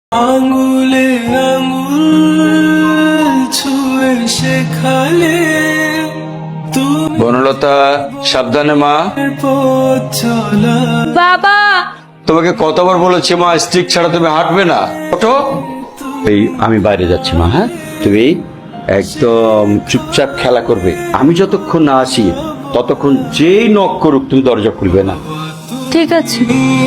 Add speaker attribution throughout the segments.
Speaker 1: আঙ্গুলে আঙ্গুল ছুঁয়ে শেখালে তুমি
Speaker 2: বনলতা, সাবধানে মা।
Speaker 1: পথ চলা।
Speaker 3: বাবা,
Speaker 2: তোমাকে কতবার বলেছি মা, স্টিক ছাড়া তুমি হাঁটবে না। ওঠো। এই আমি বাইরে যাচ্ছি মা। হ্যাঁ, তুমি একদম চুপচাপ খেলা করবে। আমি যতক্ষণ না আসি ততক্ষণ যেই নক করুক তুমি দরজা খুলবে না।
Speaker 3: ঠিক আছে।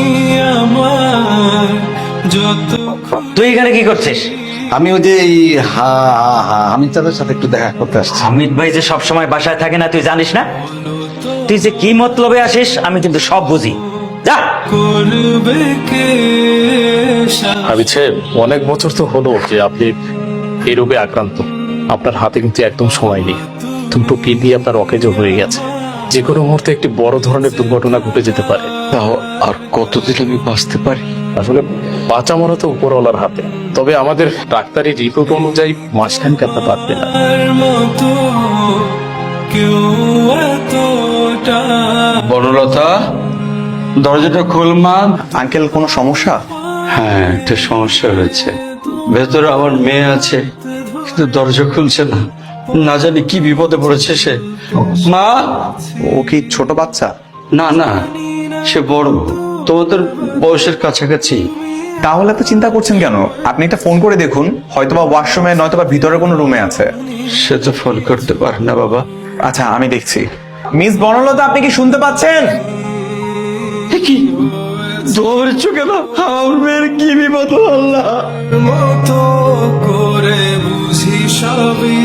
Speaker 1: আমার যত
Speaker 4: তুই এখানে কি করছিস?
Speaker 5: আমি ওই যে হামিদ চাঁদের সাথে একটু দেখা করতে আসছি।
Speaker 4: হামিদ ভাই যে সব সময় বাসায় থাকে না তুই জানিস না? তুই যে কি মতলবে আসিস আমি কিন্তু সব বুঝি। যা।
Speaker 1: করবে কে সা-
Speaker 6: হামিদ সাহেব, অনেক বছর তো হলো যে আপনি এই রোগে আক্রান্ত। আপনার হাতে কিন্তু একদম সময় নেই। দুটো কিডনি আপনার অকেজো হয়ে গেছে। যে কোনো মুহূর্তে একটি বড় ধরনের দুর্ঘটনা ঘটে যেতে পারে।
Speaker 2: তাও আর কতদিন আমি বাঁচতে পারি?
Speaker 6: আসলে বাঁচা মরা তো উপরওয়ালার হাতে, তবে আমাদের ডাক্তারি রিপোর্ট অনুযায়ী মাসখানেক আপনার বাঁচবে না।
Speaker 1: তার মতো কেউ এতটা
Speaker 2: বনলতা, দরজাটা খোল মা।
Speaker 5: আঙ্কেল, কোনো সমস্যা?
Speaker 2: হ্যাঁ, একটা সমস্যা হয়েছে। ভেতরে আমার মেয়ে আছে, কিন্তু দরজা খুলছে না। না জানি কি বিপদে পড়েছে সে। মা।
Speaker 5: ও কি ছোট বাচ্চা?
Speaker 2: না না, সে বড়, তোমাদের বয়সের কাছাকাছি।
Speaker 5: তাহলে তো চিন্তা করছেন কেন? আপনি একটা ফোন করে দেখুন, হয়তোবা ওয়াশরুমে নয়তোবা ভিতরে কোনো রুমে আছে।
Speaker 2: সে তো ফোন করতে পারে না বাবা।
Speaker 5: আচ্ছা, আমি দেখছি। মিস বনলতা, আপনি কি শুনতে পাচ্ছেন?
Speaker 2: কি ধরছো কেন? আমার মেয়ের কি বিপদ, আল্লাহ।
Speaker 1: মতো করে বুঝি সবই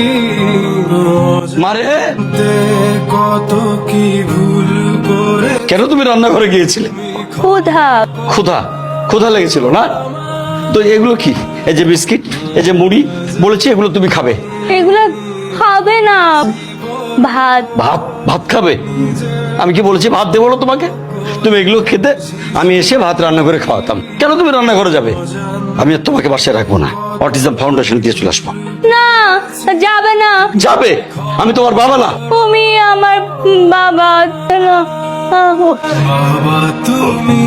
Speaker 2: মারে,
Speaker 1: কত কি ভুল করে
Speaker 2: কেন তুমি রান্নাঘরে গিয়েছিলে?
Speaker 3: ক্ষুধা।
Speaker 2: ক্ষুধা ক্ষুধা লেগেছিল না? তো এগুলো কি? এই যে বিস্কিট, এই যে মুড়ি, বলেছি এগুলো তুমি খাবে।
Speaker 3: এগুলা খাবে না। ভাত।
Speaker 2: ভাত ভাত খাবে? আমি কি বলেছি ভাত দেবো না তোমাকে? তুমি এগুলো খেতে, আমি এসে ভাত রান্না করে খাওয়াতাম। কেন তুমি রান্নাঘরে যাবে? আমি আর তোমাকে বাসায় রাখবো না। অটিজম ফাউন্ডেশন দিয়ে চলে আসবো।
Speaker 3: না, যাবে না।
Speaker 2: যাবে? আমি তোমার বাবা না?
Speaker 3: তুমি আমার বাবা। না।
Speaker 1: বাবা তুমি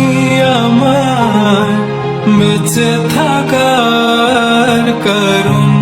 Speaker 1: আমার বেঁচে থাকার কারণ।